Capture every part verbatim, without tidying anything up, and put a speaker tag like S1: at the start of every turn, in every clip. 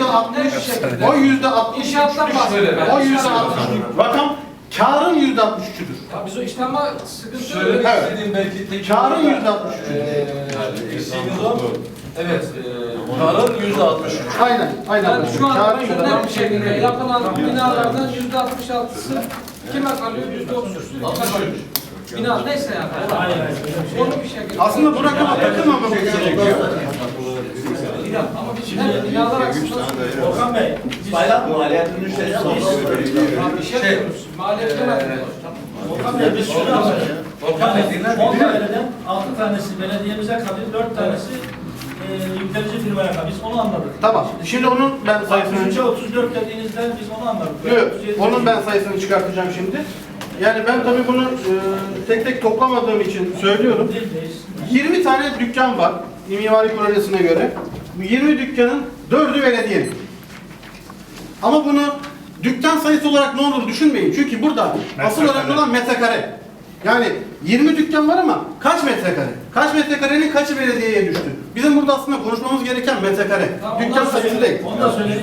S1: altmış, o yüzde altmış,
S2: İnşaattan bahsediyorum.
S1: o yüzde altmış rakam kârın yüzde altmış üçüdür.
S2: Ya biz o işte ama sıkıntı
S3: Söylemek
S2: öyle.
S1: Evet.
S3: istediğim belki tek
S1: Kârın yüzde altmış üçüdür.
S3: Evet, e, karın yüzde altmış üç.
S1: Aynen, aynen.
S2: Yani şu an
S1: Kârın yüzde
S2: net bir
S1: altmış
S2: şekilde
S1: üçüdür.
S2: yapılan binalardan yüzde altmış altısı kime kalıyor? Yüzde otuz üçü kime kalıyor? Bina neyse yani. Onu bir şekilde.
S1: Aslında bu rakama takılmamamız gerekiyor.
S2: Ama biz şimdi binalar açısından
S4: Volkan Bey, bayrak maliyetinin müşterisi
S2: bir şey yapıyoruz. Maliyet demedim.
S4: Volkan Bey, biz şunu yapıyoruz.
S3: Volkan Bey dinler mi?
S4: on daireden altı tanesi belediyemize kalıyor, dört tanesi e, yüklenici firmaya kalıyor. Biz onu anladık.
S1: Tamam. Şimdi onun ben sayısını...
S4: altmış üçe otuz dört dediğinizde biz onu anladık.
S1: Yok, onun ben sayısını çıkartacağım şimdi. Yani ben tabii bunu e, tek tek toplamadığım için söylüyorum. yirmi tane dükkan var mimari projesine göre. Bu yirmi dükkanın dördü belediyenin. Ama bunu dükkan sayısı olarak ne olur düşünmeyin. Çünkü burada asıl önemli olan metrekare. Yani yirmi dükkan var ama kaç metrekare? Kaç metrekarenin kaçı belediyeye düştü? Bizim burada aslında konuşmamız gereken metrekare.
S2: Tamam,
S1: Dükkan sayısı değil.
S4: Onu da söyleyeyim.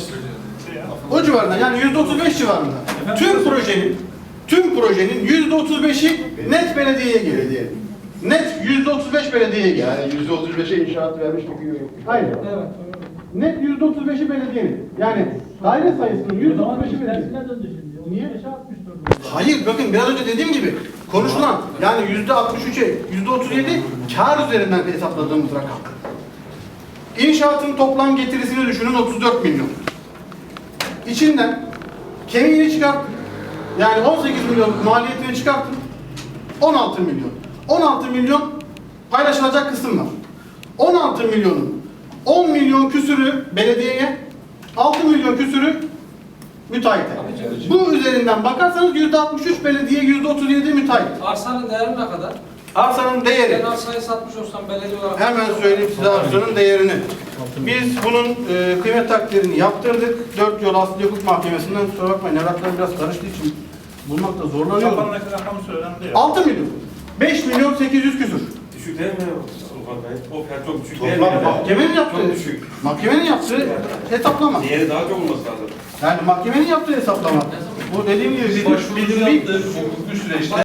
S1: O civarında yani yüzde otuz beş civarında. Tüm projenin tüm projenin yüzde otuz beşi net belediyeye geliyor. Net yüzde otuz beş belediyeye geliyor.
S5: Yani yüzde otuz beşe inşaat vermiş bir yok.
S1: Aynen.
S2: Evet.
S1: Net yüzde otuz beşi belediyenin. Yani daire sayısının yüzde otuz beşi belediyenin.
S4: Tersine döndü şimdi.
S1: Niye?
S4: otuz beşe altmış dört.
S1: Hayır bakın biraz önce dediğim gibi konuşulan yani yüzde altmış üçe yüzde otuz yedi kar üzerinden hesapladığımız rakam. İnşaatın toplam getirisini düşünün otuz dört milyon. İçinden kemiğini çıkartın. Yani on sekiz milyon maliyetini çıkartın. on altı milyon. on altı milyon paylaşılacak kısım var. on altı milyonun on milyon küsürü belediyeye, altı milyon küsürü müteahhite. Bu üzerinden bakarsanız yüzde altmış üç belediye, yüzde otuz yedi müteahhit.
S2: Arsanın değeri ne kadar?
S1: Arsanın değeri.
S2: Ben arsayı satmış olsam belediye olarak...
S1: Hemen söyleyeyim size arsanın değerini. Biz bunun e, kıymet takdirini yaptırdık. Dört yol Asli Hukuk Mahkemesi'nden, kusura bakmayın evraklar biraz karıştığı için bulmakta zorlanıyorum.
S4: Kafandaki rakamı söylendi ya.
S1: altı milyon. beş milyon sekiz yüz küsür.
S3: Düşük değil mi Volkan Bey? O fiyat çok düşük değil mi?
S5: Toplam
S1: Mahkemenin yaptığı,
S3: Çok düşük.
S1: mahkemenin yaptığı hesaplama.
S3: Diğeri daha çok olması lazım.
S1: Yani mahkemenin yaptığı hesaplama. Bu dediğim gibi bizim,
S3: Başvuru
S1: bizim bir
S3: yaptığı hukuki süreçte